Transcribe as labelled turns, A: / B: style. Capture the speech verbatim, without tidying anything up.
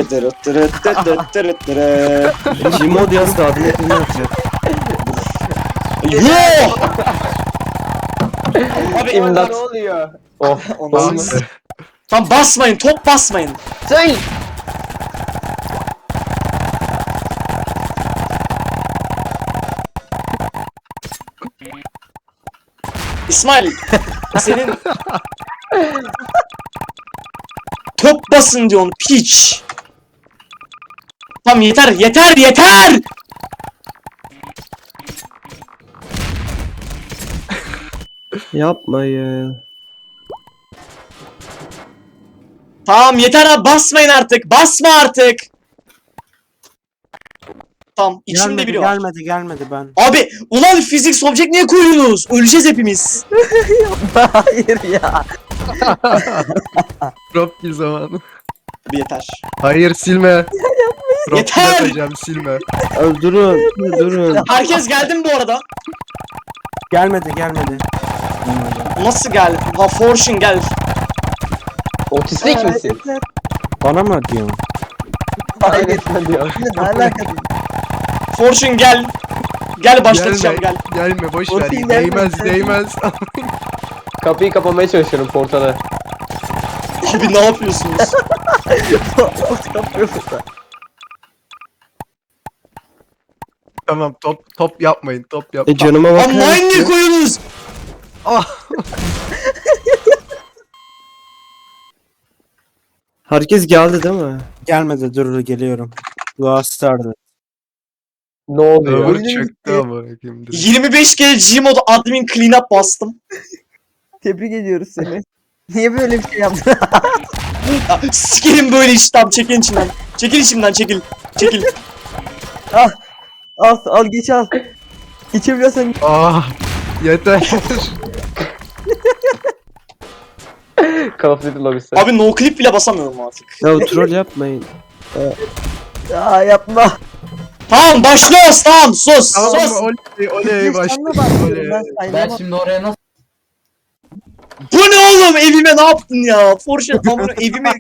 A: Dırı dırı dırı dırı dırı dırı.
B: Gmod yaz da adını ekrana atacak.
A: Yoo! Abi
C: İmdat.
D: Ne oluyor?
C: Oh.
A: Ondan
C: Olmaz.
A: sonra- Tam basmayın, top basmayın.
C: Say.
A: İsmail, senin top basın diyorsun piç. Tamam yeter, yeter, yeter.
B: Yapmayın.
A: Tamam yeter abi, basmayın artık, basma artık. Tamam, içimde
E: Gelmedi
A: biri var.
E: gelmedi gelmedi ben.
A: Abi, ulan fizik object niye koyuyorsunuz? Öleceğiz hepimiz.
E: Hayır ya.
F: Drop kill zamanı.
A: Abi yeter.
F: Hayır silme. Drop
A: Yeter!
F: kill atacağım silme.
B: Öldürün. Durun.
A: Herkes geldi mi bu arada?
E: Gelmedi gelmedi.
A: Nasıl gel? Ha Fortune gel.
C: Otistik misin?
E: Bana mı diyorsun?
C: Hayır sen diyor.
E: Ne alaka?
A: Fortune gel. Gel başlatacağım
F: Gelme,
A: gel.
F: gelme boş ver.
E: Otistik
F: Değmez
E: gelme.
F: değmez.
C: Kapıyı kapamaya çalışıyorum portalı.
A: Abi ne yapıyorsunuz?
F: Tamam top top yapmayın top
B: E
F: yapmayın.
B: canıma
A: Lan
B: bakar
A: mine niye
B: mısın?
A: koyuyorsunuz?
B: Herkes geldi değil mi?
E: Gelmedi dur geliyorum. Dua stardı.
C: Ne oluyor?
F: Server çöktü ama kimdir?
A: yirmi beş kere Gmod admin cleanup bastım.
G: Tebrik ediyoruz seni. Niye böyle bir şey yaptın?
A: Ya, sikerim böyle iş, tamam çekil içimden. Çekil içimden, çekil. Çekil.
G: al, al geç al. Geçebiliyorsan
F: Ah yeter.
C: Call of Duty lobisi.
A: Abi no clip bile basamıyorum artık.
B: Ya troll yapmayın.
G: Aa yapma.
A: Tamam başlıyoruz, tamam sus
F: Tamam
A: sus.
F: oley oley başladı. Oley.
G: Ben
D: Ben
G: saymam.
D: şimdi oraya nasıl
A: Bu ne oğlum, evime ne yaptın ya? Fortune amına evime